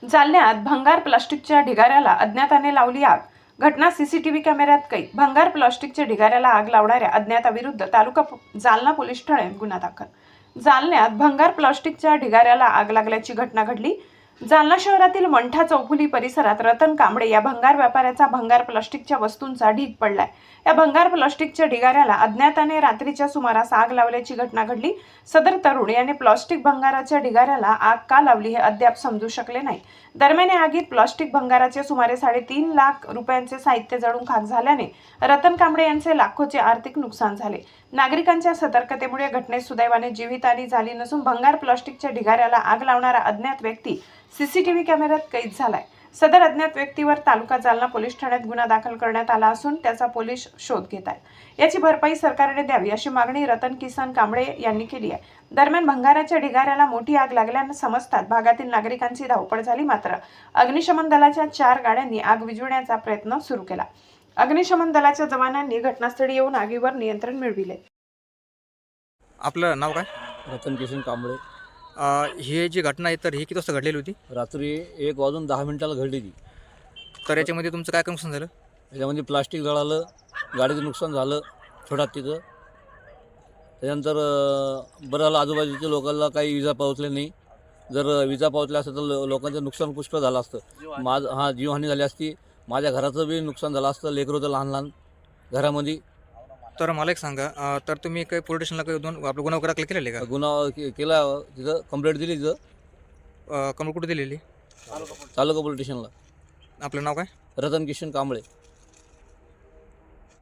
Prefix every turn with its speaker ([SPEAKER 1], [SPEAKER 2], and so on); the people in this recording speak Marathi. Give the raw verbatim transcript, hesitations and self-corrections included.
[SPEAKER 1] जालन्यात भंगार प्लास्टिकच्या ढिगाऱ्याला अज्ञाताने लावली आग. घटना सीसीटीव्ही कॅमेऱ्यात कैद. भंगार प्लास्टिकच्या ढिगाऱ्याला आग लावणाऱ्या अज्ञाताविरुद्ध तालुका जालना पोलीस ठाण्यात गुन्हा दाखल. जालन्यात भंगार प्लास्टिकच्या ढिगाऱ्याला आग लागल्याची घटना घडली. जालना शहरातील मंठा चौफुली परिसरात रतन कांबळे या भंगार व्यापाऱ्याचा भंगार प्लास्टिकच्या वस्तूंचा ढीग पडलाय. या भंगार प्लास्टिकच्या ढिगाऱ्याला अज्ञाताने रात्रीच्या सुमारास आग लावल्याची घटना घडली. सदर तरुण याने प्लास्टिक भंगाराच्या ढिगाऱ्याला आग का लावली हे अद्याप समजू शकले नाही. दरम्यान या आगीत प्लास्टिक भंगाराचे सुमारे साडेतीन लाख रुपयांचे साहित्य जळून खाक झाल्याने रतन कांबळे यांचे लाखोचे आर्थिक नुकसान झाले. नागरिकांच्या सतर्कतेमुळे घटनेत सुदैवाने जीवितहानी झाली नसून भंगार प्लास्टिकच्या ढिगाऱ्याला आग लावणारा अज्ञात व्यक्ती सीसीटीव्ही कॅमेऱ्यात कैद झालाय. सदर अज्ञात व्यक्तीवर तालुका जालना पोलीस ठाण्यात गुन्हा दाखल करण्यात आला असून त्याचा पोलीस शोध घेत आहेत. याची भरपाई सरकारने द्यावी अशी मागणी रतन किसन कांबळे यांनी केली आहे. दरम्यान भंगाराच्या ढिगाऱ्याला मोठी आग लागल्याने समजतात भागातील नागरिकांची धावपळ झाली. मात्र अग्निशमन दलाच्या चार गाड्यांनी आग विझवण्याचा प्रयत्न सुरू केला. अग्निशमन दलाच्या जवानांनी घटनास्थळी येऊन आगीवर नियंत्रण मिळविले.
[SPEAKER 2] आपलं नाव काय?
[SPEAKER 3] रतन किशन कांबळे.
[SPEAKER 2] अ, ही जी घटना आहे तर ही किती वाजता घडलेली होती?
[SPEAKER 3] रात्री एक वाजून दहा मिनिटाला घडली ती.
[SPEAKER 2] तर याच्यामध्ये तुमचं काय नुकसान झालं?
[SPEAKER 3] त्याच्यामध्ये प्लास्टिक जळालं, गाडीचं नुकसान झालं छोटा तिथं. त्याच्यानंतर अं, बरं झालं आजूबाजूच्या लोकांना काही विजा पोहोचले नाही. जर विजा पोहोचल्या असतं तर लो लोकांचं नुकसान पुष्कळ झालं असतं. माझं हां जीवहानी झाली असती. माझ्या घराचं बी नुकसान झालं असतं. लेकरं होतं लहान लहान घरामध्ये.
[SPEAKER 2] तर मला एक सांगा, अ, तर तुम्ही काही पोलीस स्टेशनला काही दोन आपलं गुन्हा वगैरे केलेले का?
[SPEAKER 3] गुन्हा के केला तिथं कंप्लेंट दिली तिथं
[SPEAKER 2] कंप्लेंट कुठे दिलेली?
[SPEAKER 3] तालुका पोलीस स्टेशनला.
[SPEAKER 2] आपलं नाव काय?
[SPEAKER 3] रतन किशन कांबळे.